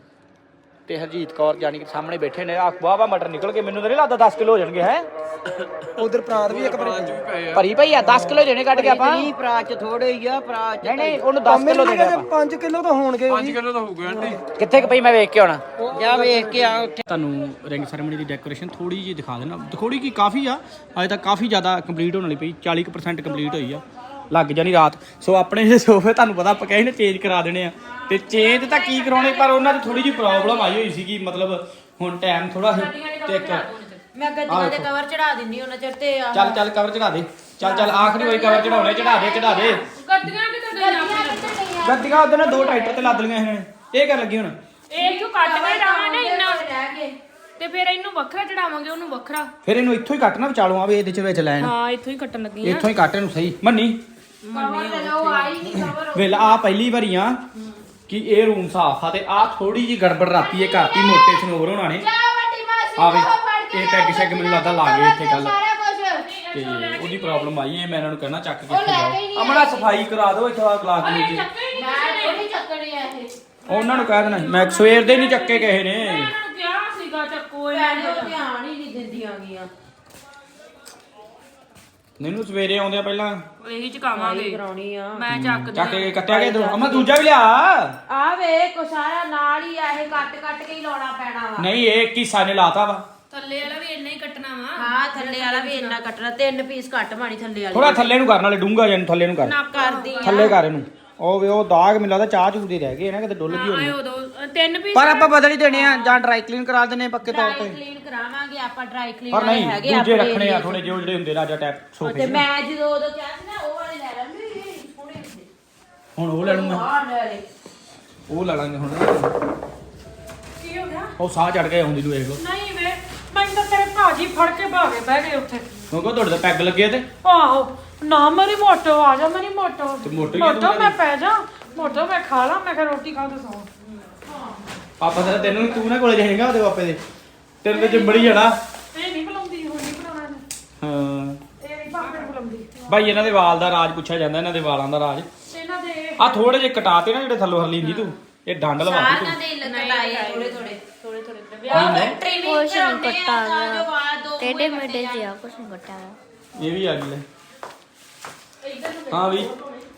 [SPEAKER 2] ਤੇ ਹਰਜੀਤ ਕੌਰ ਜਾਨੀ ਕਿ ਸਾਹਮਣੇ ਬੈਠੇ ਨੇ, ਆ ਵਾਹ ਵਾਹ ਮਟਰ ਨਿਕਲ ਕੇ ਮੈਨੂੰ ਤਾਂ ਨਹੀਂ ਲੱਗਦਾ ਦਸ ਕਿਲੋ ਹੋ ਜਾਣਗੇ ਹੈ।
[SPEAKER 5] ਉਧਰ ਪ੍ਰਾਂਤ ਵੀ ਇੱਕ ਵਾਰੀ
[SPEAKER 2] ਭਰੀ ਭਈ ਆ ਦਸ ਕਿਲੋ ਦੇਣੇ ਕੱਢ ਕੇ ਆਪਾਂ।
[SPEAKER 6] ਨਹੀਂ ਭਰਾ ਚ ਥੋੜੇ ਹੀ ਆ, ਭਰਾ ਚ
[SPEAKER 2] ਨਹੀਂ ਨਹੀਂ ਉਹਨੂੰ ਦਸ ਕਿਲੋ ਦੇਣੇ ਆਪਾਂ।
[SPEAKER 5] ਪੰਜ ਕਿਲੋ ਤਾਂ ਹੋਣਗੇ।
[SPEAKER 4] ਪੰਜ ਕਿਲੋ ਤਾਂ ਹੋਊਗਾ ਆਂਟੀ।
[SPEAKER 2] ਕਿੱਥੇ ਕਿ ਪਈ ਮੈਂ ਵੇਖ ਕੇ ਆਉਣਾ।
[SPEAKER 6] ਜਾ ਵੇਖ ਕੇ ਆ ਉੱਥੇ।
[SPEAKER 2] ਤੁਹਾਨੂੰ ਰਿੰਗ ਸੈਰੇਮਨੀ ਦੀ ਡੈਕੋਰੇਸ਼ਨ ਥੋੜੀ ਜਿਹੀ ਦਿਖਾ ਦੇਣਾ, ਥੋੜੀ ਕੀ ਕਾਫੀ ਆ, ਅਜੇ ਤੱਕ ਕਾਫੀ ਜ਼ਿਆਦਾ ਕੰਪਲੀਟ ਹੋਣ ਵਾਲੀ ਪਈ, ਚਾਲੀ ਕੁ ਪਰਸੈਂਟ ਕੰਪਲੀਟ ਹੋਈ ਆ, ਲੱਗ ਜਾਣੀ ਰਾਤ। ਸੋ ਆਪਣੇ ਜਿਹੜੇ ਸੋਫੇ ਤੁਹਾਨੂੰ ਪਤਾ ਆਪਾਂ ਕਹੇ ਨੇ ਚੇਂਜ ਕਰਾ ਦੇਣੇ ਆ, ਤੇ ਚੇਂਜ ਤਾਂ ਕੀ ਕਰਾਉਣੇ, ਪਰ ਉਹਨਾਂ 'ਚ ਥੋੜੀ ਜਿਹੀ ਪ੍ਰੋਬਲਮ ਆਈ ਹੋਈ ਸੀਗੀ, ਮਤਲਬ ਹੁਣ ਟਾਈਮ ਥੋੜਾ ਤੇ ਇੱਕ
[SPEAKER 8] ਮੈਂ ਗੱਦੀਆਂ ਦੇ ਕਵਰ ਚੜਾ ਦਿੰਦੀ ਉਹਨਾਂ ਚਿਰ ਤੇ ਆ
[SPEAKER 2] ਚੱਲ ਚੱਲ ਕਵਰ ਚੜਾ ਦੇ, ਚੱਲ ਚੱਲ ਆਖਰੀ ਵਾਰੀ ਕਵਰ ਚੜਾਉਣੇ, ਚੜਾ ਦੇ ਚੜਾ ਦੇ।
[SPEAKER 7] ਗੱਡੀਆਂ ਕਿਤੇ ਗਈਆਂ ਆਪਣੇ
[SPEAKER 2] ਗੱਡੀਆਂ ਉਹਦੇ ਨਾਲ ਦੋ ਟਰੈਕਟਰ ਤੇ ਲੱਦ ਲਈਆਂ ਇਹਨਾਂ ਨੇ, ਇਹ ਕਰ ਲੱਗੀ ਹੁਣ।
[SPEAKER 7] ਇਹ ਕਿਉਂ ਕੱਟ ਕੇ ਜਾਵਾਂਗੇ ਇੰਨਾ ਰਹਿ ਗਏ ਤੇ ਫਿਰ ਇਹਨੂੰ ਵੱਖਰਾ ਚੜਾਵਾਂਗੇ ਉਹਨੂੰ ਵੱਖਰਾ।
[SPEAKER 2] ਫਿਰ ਇਹਨੂੰ ਇੱਥੋਂ ਹੀ ਕੱਟਣਾ ਵਿਚਾਲੋਂ ਆਵੇ ਇਹਦੇ ਚ ਵਿੱਚ ਲੈਣ,
[SPEAKER 7] ਹਾਂ ਇੱਥੋਂ ਹੀ ਕੱਟਣ ਲੱਗੀ
[SPEAKER 2] ਇੱਥੋਂ ਹੀ ਕੱਟ ਇਹਨੂੰ ਸਹੀ ਮੰਨੀ।
[SPEAKER 8] ਉਹ ਆਈ ਨਹੀਂ ਕਵਰ
[SPEAKER 2] ਵੇਲ ਆ ਪਹਿਲੀ ਵਾਰੀ ਆ ਕਿ ਇਹ ਰੂਮ ਸਾਫ ਆ, ਤੇ ਆ ਥੋੜੀ ਜੀ ਗੜਬੜ ਰਾਤੀ ਇਹ ਕਰਤੀ ਮੋਟੇ ਸਨੋਵਰ ਹੋਣਾ ਨੇ।
[SPEAKER 8] ਵੱਡੀ ਮਾਸੀ
[SPEAKER 2] ਆਵੇ ਇਹ ਪੈਗ ਸ਼ੈਗ ਮੈਨੂੰ ਲੱਗਦਾ ਲਾ ਗਏ ਇੱਥੇ ਕੱਲ,
[SPEAKER 8] ਸਾਰਾ ਕੁਝ
[SPEAKER 2] ਤੇ ਉਹਦੀ ਪ੍ਰੋਬਲਮ ਆਈ ਹੈ। ਮੈਂ ਇਹਨਾਂ ਨੂੰ ਕਹਿਣਾ ਚੱਕ ਕੇ ਇੱਥੇ ਜਾਓ, ਅਮਨਾ ਸਫਾਈ ਕਰਾ ਦਿਓ ਇੱਥੇ ਆ ਗਲਾਸ ਦੇ ਨੀਚੇ।
[SPEAKER 8] ਮੈਂ ਥੋੜੀ ਚੱਕਣੀ ਆ ਇਹ
[SPEAKER 2] ਉਹਨਾਂ ਨੂੰ ਕਹਿ ਦੇਣਾ ਮੈਂ ਸਵੇਰ ਦੇ ਨਹੀਂ ਚੱਕੇ ਕਿਸੇ ਨੇ।
[SPEAKER 7] ਇਹਨਾਂ ਨੂੰ ਕਿਹਾ ਸੀਗਾ ਚੱਕੋ
[SPEAKER 8] ਭੈਣੇ ਉਹ ਧਿਆਨ ਹੀ ਨਹੀਂ ਦਿੰਦੀਆਂ ਗੀਆਂ।
[SPEAKER 2] ਮੈਨੂੰ ਸਵੇਰੇ ਆਉਂਦੇ ਆ ਪਹਿਲਾਂ
[SPEAKER 7] ਇਹੀ ਚਕਾਵਾਂਗੇ
[SPEAKER 8] ਕਰਾਉਣੀ ਆ
[SPEAKER 7] ਮੈਂ ਚੱਕ
[SPEAKER 2] ਚੱਕ ਕੇ ਕੱਟਿਆ ਗਿਆ ਇਧਰੋਂ। ਅਮਾ ਦੂਜਾ ਵੀ ਲਿਆ।
[SPEAKER 8] ਆ ਵੇ ਕੋ ਸਾਰਾ ਨਾਲ ਹੀ ਆ, ਇਹ ਕੱਟ ਕੱਟ ਕੇ ਹੀ ਲਾਉਣਾ ਪੈਣਾ ਵਾ।
[SPEAKER 2] ਨਹੀਂ ਇਹ ਕਿਸਾ ਨੇ ਲਾਤਾ ਵਾ,
[SPEAKER 7] ਥੱਲੇ ਵਾਲਾ ਵੀ ਇੰਨਾ ਹੀ ਕੱਟਣਾ ਵਾ।
[SPEAKER 8] ਹਾਂ ਥੱਲੇ ਵਾਲਾ ਵੀ ਇੰਨਾ ਕੱਟਣਾ, ਤਿੰਨ ਪੀਸ ਕੱਟ ਮਾਣੀ ਥੱਲੇ ਵਾਲੀ
[SPEAKER 2] ਥੋੜਾ ਥੱਲੇ ਨੂੰ ਕਰਨ ਵਾਲੇ ਡੂੰਗਾ ਜਾਂ ਥੱਲੇ ਨੂੰ ਕਰ,
[SPEAKER 7] ਨਾ
[SPEAKER 8] ਕਰਦੀ ਆ।
[SPEAKER 2] ਥੱਲੇ ਕਰ ਇਹਨੂੰ। ਉਹ ਵੇ ਉਹ ਦਾਗ ਮੈਨੂੰ ਲੱਗਦਾ ਚਾਹ ਚੂਹ ਦੇ ਰਹਿ ਗਏ ਨਾ, ਕਿਤੇ ਡੁੱਲ ਗਈ ਹੋਣੀ।
[SPEAKER 7] ਆਏ ਉਦੋਂ ਤਿੰਨ ਪੀਸ
[SPEAKER 2] ਪਰ ਆਪਾਂ ਬਦਲ ਹੀ ਦੇਣੇ ਆ ਜਾਂ ਡਰਾਈ ਕਲੀਨ ਕਰਾ ਦਿੰਨੇ ਪੱਕੇ ਤੌਰ
[SPEAKER 8] ਡਰਾਈ
[SPEAKER 2] ਤੇ।
[SPEAKER 8] ਕਲੀਨ ਕਰਾਵਾਂਗੇ ਆਪਾਂ, ਡਰਾਈ ਕਲੀਨ
[SPEAKER 2] ਪਰ ਨਹੀਂ
[SPEAKER 8] ਹੈਗੇ
[SPEAKER 2] ਦੂਜੇ
[SPEAKER 8] ਆਪਣੇ
[SPEAKER 2] ਰੱਖਣੇ ਆ
[SPEAKER 8] area 'ਚ।
[SPEAKER 2] ਥੋੜੇ ਜਿਹੇ ਜਿਹੜੇ ਹੁੰਦੇ ਰਾਜਾ ਟੈਪ ਸੋਫੇ।
[SPEAKER 8] ਤੇ ਮੈਂ ਜਦੋਂ ਉਦੋਂ ਕਿਹਾ ਸੀ ਨਾ ਉਹ ਵਾਲੇ ਲੈ ਲਾਂਗੇ, ਇਹ ਸੋਹਣੇ ਹੁੰਦੇ।
[SPEAKER 2] ਹੁਣ ਉਹ ਲੈ ਲੂੰਗਾ,
[SPEAKER 8] ਆਹ ਲੈ ਲੈ।
[SPEAKER 2] ਉਹ ਲੈ ਲਾਂਗੇ ਹੁਣ।
[SPEAKER 7] ਕੀ ਹੋ ਗਿਆ?
[SPEAKER 2] ਉਹ ਸਾਹ ਚੜ ਗਿਆ ਆਉਂਦੀ ਨੂੰ ਵੇਖ ਲੋ।
[SPEAKER 7] ਨਹੀਂ ਵੇ
[SPEAKER 1] ਮੈਨੂੰ ਤਾਂ ਤੇਰੇ ਭਾਜੀ ਫੜ ਕੇ ਭਾਗੇ ਬਹਿ ਗਏ ਉੱਥੇ
[SPEAKER 2] ਕਿਉਂਕਿ ਤੁਹਾਡੇ ਤਾਂ ਪੈਗ ਲੱਗੇ ਤੇ
[SPEAKER 1] ਆਹੋ ਨਾ ਮੇਰੀ ਮੋਟੋ ਆ ਜਾ ਮੇਰੀ ਮੋਟੋ
[SPEAKER 2] ਤੇ ਮੋਟੋ ਹੀ ਆ
[SPEAKER 1] ਮੋਟੋ ਮੈਂ ਪੈ ਜਾ ਮੋਟੋ ਮੈਂ ਖਾ ਲਾ ਮੈਂ ਕਿਹਾ ਰੋਟੀ ਖਾ ਕੇ ਸੌਂ
[SPEAKER 2] ਪਾਪਾ ਤੇਰਾ ਤੈਨੂੰ ਤੂੰ ਨਾ ਕੋਲੇ ਜਾਏਗਾ ਉਹਦੇ ਪਾਪੇ ਦੇ ਤੇਰੇ ਤੇ ਚਿੰਬੜੀ ਜਾਣਾ
[SPEAKER 1] ਇਹ ਨਹੀਂ ਬੁਲਾਉਂਦੀ ਹੁਣ ਨਹੀਂ ਬੁਲਾਉਣਾ ਇਹਨੇ।
[SPEAKER 2] ਹਾਂ
[SPEAKER 1] ਇਹ ਨਹੀਂ ਭਾਪੇ ਨੂੰ ਬੁਲਾਉਂਦੀ
[SPEAKER 2] ਭਾਈ ਇਹਨਾਂ ਦੇ ਵਾਲ ਦਾ ਰਾਜ ਪੁੱਛਿਆ ਜਾਂਦਾ ਇਹਨਾਂ ਦੇ ਵਾਲਾਂ ਦਾ ਰਾਜ
[SPEAKER 1] ਇਹਨਾਂ ਦੇ
[SPEAKER 2] ਆ ਥੋੜੇ ਜਿਹੇ ਕਟਾਤੇ ਨਾ ਜਿਹੜੇ ਥੱਲੋਂ ਹਰਲੀਂਦੀ ਤੂੰ ਇਹ ਡੰਡ ਲਵਾਤੀ ਤੂੰ
[SPEAKER 8] ਸਾਰਿਆਂ ਦੇ ਲਗਾਏ ਥੋੜੇ ਥੋੜੇ
[SPEAKER 7] ਥੋੜੇ ਥੋੜੇ
[SPEAKER 8] ਉਹ ਟ੍ਰਿਮਿੰਗ ਕਰਾਉਂਦੇ ਆ ਤਾਂ ਜੋ ਵਾਲ ਦੋ
[SPEAKER 9] ਟੇਡੇ ਮੇਡੇ ਜਿਹਾ ਕੁਛ ਬੱਟਾ ਆ
[SPEAKER 2] ਇਹ ਵੀ ਆ ਗਈ ਲੈ ਹਾਂ ਵੀ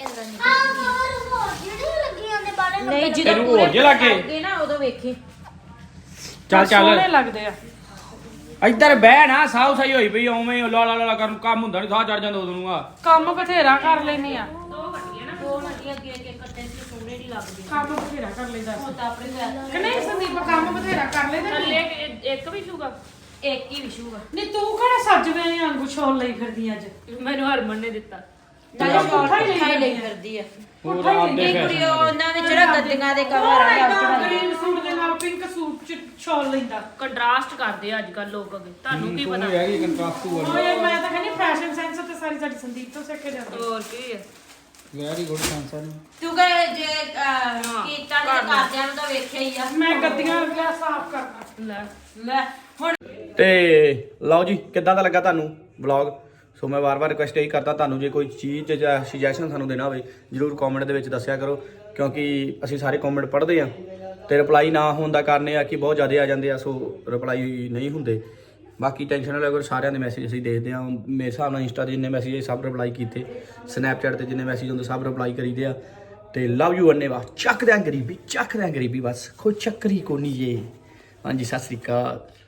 [SPEAKER 8] ਨਹੀਂ ਜਦੋਂ
[SPEAKER 2] ਤੈਨੂੰ ਹੋਰ ਜੇ ਲੱਗੇ
[SPEAKER 8] ਅੱਗੇ ਨਾ ਉਦੋਂ ਵੇਖੀ
[SPEAKER 2] ਚੱਲ
[SPEAKER 1] ਸੋਹਣੇ
[SPEAKER 2] ਚੱਲ
[SPEAKER 1] ਲੱਗਦੇ ਆ
[SPEAKER 2] ਇੱਧਰ ਬਹਿ ਨਾ ਸਾਉ ਸਹੀ ਹੋਈ ਪਈ ਓਵੇਂ ਲਾ ਲਾ ਲਾ ਕਰਨ ਕੰਮ ਹੁੰਦਾ ਨਹੀਂ ਸਾਹ ਚੜ ਜਾਂਦਾ ਉਦੋਂ ਨੂੰ ਆ
[SPEAKER 1] ਕੰਮ ਬਥੇਰਾ ਕਰ ਲੈਨੀ ਆ
[SPEAKER 8] ਦੋ ਵੱਡੀਆਂ ਅੱਗੇ ਅੱਗੇ ਕੱਟੇ ਸੀ ਸੋਹਣੇ ਨਹੀਂ ਲੱਗਦੇ
[SPEAKER 1] ਕੰਮ ਬਥੇਰਾ ਕਰ ਲੈਂਦਾ
[SPEAKER 8] ਹੁਣ ਤਾਂ ਆਪਣੇ ਘਰ
[SPEAKER 1] ਕਿ ਨਹੀਂ ਸੰਦੀਪ ਕੰਮ ਬਥੇਰਾ ਕਰ ਲੈਂਦਾ
[SPEAKER 7] ਥੱਲੇ ਇੱਕ- ਇੱਕ ਵੀ ਸ਼ੂਗਾ
[SPEAKER 8] ਇੱਕ ਹੀ ਵਿਸ਼ੂਗਾ
[SPEAKER 1] ਨਹੀਂ ਤੂੰ ਕਿਹੜਾ ਸੱਜਵੇਂ ਵਾਂਗੂ ਛੋਲ ਲਈ ਫਿਰਦੀ ਅੱਜ
[SPEAKER 7] ਮੈਨੂੰ ਹਰਮਨ ਨੇ ਦਿੱਤਾ
[SPEAKER 8] ਨਾਲੇ ਸ਼ਾਰਟ
[SPEAKER 1] ਪੁੱਠਾ ਹੀ
[SPEAKER 8] ਖਾਈ ਲਈ
[SPEAKER 1] ਲਈ
[SPEAKER 8] ਫਿਰਦੀ ਆ
[SPEAKER 2] ਹੋਰ ਆਪਦੇ
[SPEAKER 8] ਨਹੀਂ
[SPEAKER 2] ਫੈਸ਼ਨ
[SPEAKER 8] ਕੁੜੀ ਉਹਨਾਂ ਵਿੱਚ ਨਾ ਗੱਦੀਆਂ ਦੇ ਕਵਰ ਆ
[SPEAKER 1] ਕੌਣ ਗ੍ਰੀਨ ਸੂਟ ਦੇ ਨਾਲ ਪਿੰਕ ਸੂਟ ਚ ਛੋਲ ਲੈਂਦਾ
[SPEAKER 7] ਕੰਟਰਾਸਟ ਕਰਦੇ ਆ ਅੱਜ ਕੱਲ ਲੋਕ ਅੱਗੇ ਤੁਹਾਨੂੰ ਕੀ ਪਤਾ
[SPEAKER 2] ਹੈਗੀ ਕੰਟਰਾਸਟ ਵਾਲੀ
[SPEAKER 1] ਓਏ ਮੈਂ ਤਾਂ ਕਹਿੰਦੀ ਫੈਸ਼ਨ ਸੈਂਸ ਤੇ ਸਾਰੀ ਸਾਡੀ ਸੰਦੀਪ ਤੋਂ ਸਿੱਖ ਕੇ ਜਾਂਦੀ
[SPEAKER 7] ਹੋਰ ਕੀ ਹੈ
[SPEAKER 2] ਵੈਰੀ ਗੁੱਡ ਸੈਂਸਰ
[SPEAKER 8] ਤੂੰ ਕਹੇ ਜੇ ਕੀਤਾ ਤੇ ਘਰਦਿਆਂ ਨੂੰ ਤਾਂ ਵੇਖਿਆ ਹੀ ਆ
[SPEAKER 1] ਮੈਂ ਗੱਦੀਆਂ ਗਿਆ ਸਾਫ਼ ਕਰਨਾ
[SPEAKER 7] ਲੈ
[SPEAKER 8] ਲੈ ਹੁਣ
[SPEAKER 2] ਤੇ ਲਓ ਜੀ ਕਿੱਦਾਂ ਦਾ ਲੱਗਾ ਤੁਹਾਨੂੰ ਵਲੌਗ ਸੋ ਮੈਂ ਵਾਰ-ਵਾਰ ਰਿਕੁਐਸਟ ਇਹੀ ਕਰਦਾ ਤੁਹਾਨੂੰ ਜੇ ਕੋਈ ਚੀਜ਼ ਜਾਂ ਸੁਜੈਸ਼ਨ ਸਾਨੂੰ ਦੇਣਾ ਹੋਵੇ ਜਰੂਰ ਕਮੈਂਟ ਦੇ ਵਿੱਚ ਦੱਸਿਆ ਕਰੋ ਕਿਉਂਕਿ ਅਸੀਂ ਸਾਰੇ ਕਮੈਂਟ ਪੜ੍ਹਦੇ ਆ ਤੇ ਰਿਪਲਾਈ ਨਾ ਹੋਣ ਦਾ ਕਾਰਨ ਇਹ ਆ ਕਿ ਬਹੁਤ ਜ਼ਿਆਦਾ ਆ ਜਾਂਦੇ ਆ ਸੋ ਰਿਪਲਾਈ ਨਹੀਂ ਹੁੰਦੇ ਬਾਕੀ ਟੈਨਸ਼ਨ ਨਾ ਲਿਆ ਸਾਰਿਆਂ ਦੇ ਮੈਸੇਜ ਅਸੀਂ ਦੇਖਦੇ ਆ ਮੇਰੇ ਹਿਸਾਬ ਨਾਲ ਇੰਸਟਾ ਤੇ ਜਿੰਨੇ ਮੈਸੇਜ ਸਭ ਰਿਪਲਾਈ ਕੀਤੇ ਸਨੈਪਚੈਟ ਤੇ ਜਿੰਨੇ ਮੈਸੇਜ ਹੁੰਦੇ ਸਭ ਰਿਪਲਾਈ ਕਰੀਦੇ ਆ ਤੇ ਲਵ ਯੂ ਅੰਨੇ ਵਾ ਚੱਕ ਦਿਆਂ ਗਰੀਬੀ ਚੱਕ ਦਿਆਂ ਗਰੀਬੀ ਬਸ ਕੋਈ ਚੱਕਰੀ ਕੋ ਨਹੀਂ ਜੇ ਹਾਂਜੀ ਸਤਿ ਸ੍ਰੀ ਅਕਾਲ